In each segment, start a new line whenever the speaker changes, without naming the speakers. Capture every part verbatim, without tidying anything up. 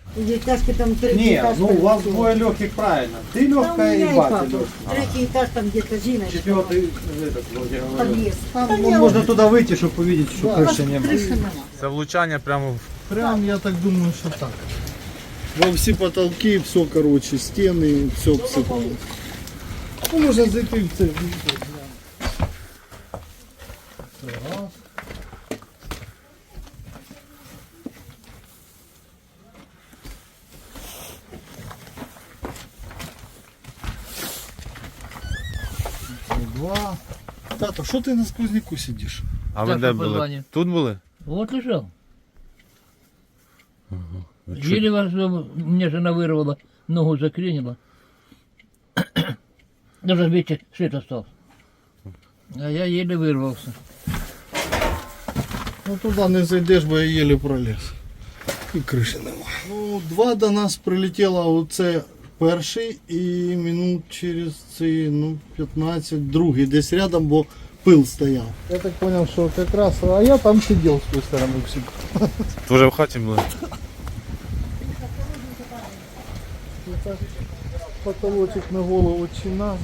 Девятиэтажки там третий
Не,
этаж.
ну у вас
полетел.
двое легких, правильно. Ты
Там у
легкая
меня
и
и
батя
папа.
легкая.
Третий этаж там где-то Зиночка.
Четвертый, этот, вот я говорю.
Подъезд.
Там
Да
ну,
не,
можно туда выйти, чтобы увидеть, что крыши не было.
крыши нема.
Це влучання прямо в
Прям, я так думаю, что так. Во все потолки, все, короче, стены, все обсыпалось. Ну, можно зайти в цель. Раз. Два. Тато, что ты на сквозняку сидишь?
А ви
Так,
де
по
були?
позвоню.
Тут були?
Вот лежал. Еле вас, э, мне жена вырвала, ногу заклинила. Даже, видите, свет остался. А я еле вырвался.
Ну туда не зайдеш, бо я еле проліз. І криші нема. Ну, два до нас прилетіло, оце перший і минут через ці, ну, п'ятнадцять другий десь рядом, бо пил стояв. Я так зрозумів, що якраз, а я там сидів з тої сторони всіх.
Тоже в хаті були?
Потолочок на голову чи назад.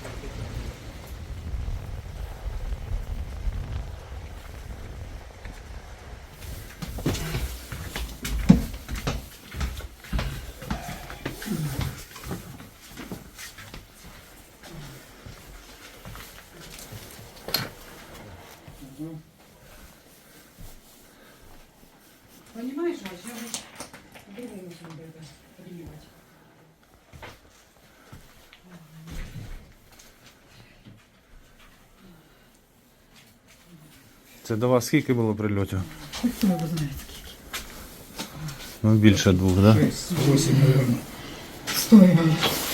Понимаешь, Вась, я вот по-другому надо это принимать.
Це до вас скільки було прильотів? Ну більше двох, так? Да?
Стой,